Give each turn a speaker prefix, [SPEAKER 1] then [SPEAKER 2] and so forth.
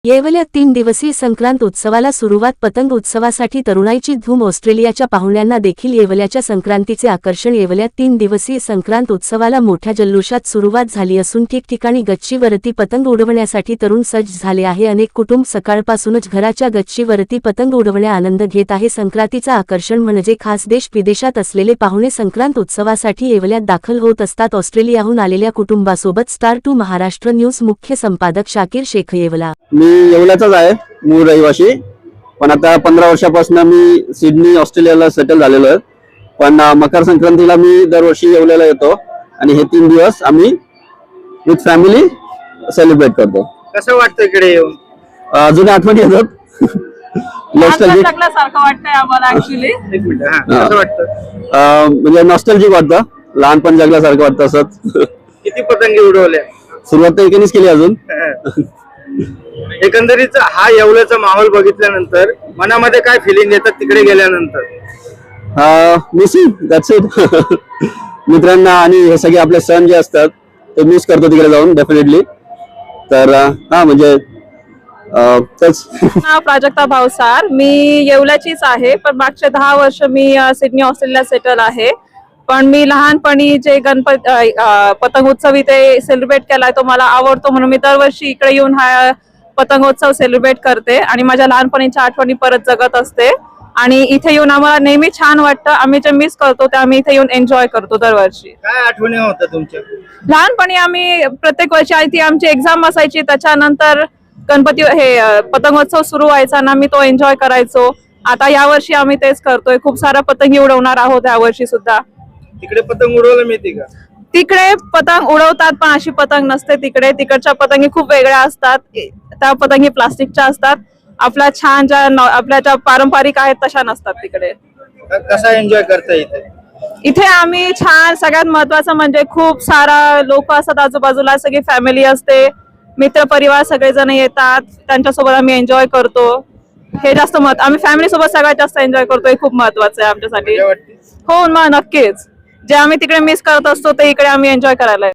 [SPEAKER 1] येवल्यात 3 दिवसीय संक्रांत उत्सवाला सुरुवात. पतंग उत्सवासाठी तरुणाईची धूम. ऑस्ट्रेलियाच्या पाहुण्यांना देखील येवल्याच्या संक्रांतीचे आकर्षण. येवल्यात 3 दिवसीय संक्रांत उत्सवाला मोठ्या जल्लोषात सुरुवात झाली असून ठिकठिकाणी गच्चीवरती पतंग उडवण्यासाठी तरुण सज्ज झाले आहे. अनेक कुटुंब सकाळपासूनच घराच्या गच्चीवरती पतंग उडवण्या आनंद घेत आहे. संक्रांतीचा आकर्षण म्हणजे खास देश विदेशात असलेले पाहुणे संक्रांत उत्सवासाठी येवल्यात दाखल होत असतात. ऑस्ट्रेलियाहून आलेल्या कुटुंबासोबत स्टार 2 महाराष्ट्र न्यूज मुख्य संपादक शाकीर शेख. येवला
[SPEAKER 2] मी येवल्याचाच आहे, मूळ रहिवासी, पण आता 15 वर्षापासून मी सिडनी ऑस्ट्रेलियाला सेटल झालेलो आहे. पण मकर संक्रांतीला मी दरवर्षी येवल्याला येतो आणि हे 3 दिवस आम्ही विथ फॅमिली सेलिब्रेट करतो.
[SPEAKER 3] कसं वाटतं इकडे येऊन?
[SPEAKER 2] जुन्या आठवणी येतात. नॉस्टॅल्जिक
[SPEAKER 4] वाटतंय आम्हाला ऍक्च्युली.
[SPEAKER 3] एक मिनिट, कसं वाटतं?
[SPEAKER 2] म्हणजे नॉस्टॅल्जिक वाटतं, लहानपण जगल्यासारखं वाटतं. असंच
[SPEAKER 3] किती पतंगी उडवल्या?
[SPEAKER 2] सुरुवात तर एकेनेच केली अजून.
[SPEAKER 3] एकंदरीत हा येवल्याचा माहोल बघितल्यानंतर मनामध्ये काय फिलिंग येतात तिकडे गेल्यानंतर?
[SPEAKER 2] Missing, that's it. मित्रांना आणि हे सगळे आपले सण जे असतात ते मिस करतो तिकडे जाऊन डेफिनेटली. तर म्हणजे तेच.
[SPEAKER 4] प्राजक्ता भावसार, मी येवल्याचीच आहे, पण मागचे 10 वर्ष मी सिडनी ऑस्ट्रेलिया सेटल आहे. पण मी लहानपणी जे पतंग उत्सव इथे सेलिब्रेट केलाय तो मला आवडतो, म्हणून मी दरवर्षी इकडे येऊन हा पतंगोत्सव सेलिब्रेट करते आणि माझ्या लहानपणीच्या आठवणी परत जगत असते. आणि इथे येऊन आम्हाला नेहमी छान वाटतं. आम्ही जे मिस करतो ते आम्ही इथे येऊन एन्जॉय करतो दरवर्षी.
[SPEAKER 3] काय आठवणी होत्या तुमच्या?
[SPEAKER 4] लहानपणी आम्ही प्रत्येक वर्षी आधी आमची एक्झाम असायची, त्याच्यानंतर गणपती पतंगोत्सव सुरू व्हायचा ना, आम्ही तो एन्जॉय करायचो. आता यावर्षी आम्ही तेच करतोय, खूप सारा पतंगी उडवणार आहोत यावर्षी सुद्धा.
[SPEAKER 3] तिकडे पतंग उडवायला मिळते का?
[SPEAKER 4] तिकडे पतंग उडवतात, पण अशी पतंग नसते तिकडे. तिकडच्या पतंगी खूप वेगळ्या असतात. त्या पतंगी प्लास्टिकच्या असतात. आपल्या छान आपल्या ज्या पारंपरिक आहेत तशा नसतात तिकडे.
[SPEAKER 3] कसा एन्जॉय करता इथे?
[SPEAKER 4] इथे आम्ही छान, सगळ्यात महत्वाचं म्हणजे खूप सारा लोक असतात आजूबाजूला, सगळी फॅमिली असते, मित्र परिवार सगळेजण येतात, त्यांच्यासोबत आम्ही एन्जॉय करतो. हे जास्त आम्ही फॅमिली सोबत सगळ्यात जास्त एन्जॉय करतो. हे खूप महत्वाचं आहे आमच्यासाठी. हो मग नक्कीच, जे आम्ही तिकडे मिस करत असतो ते इकडे आम्ही एन्जॉय करायला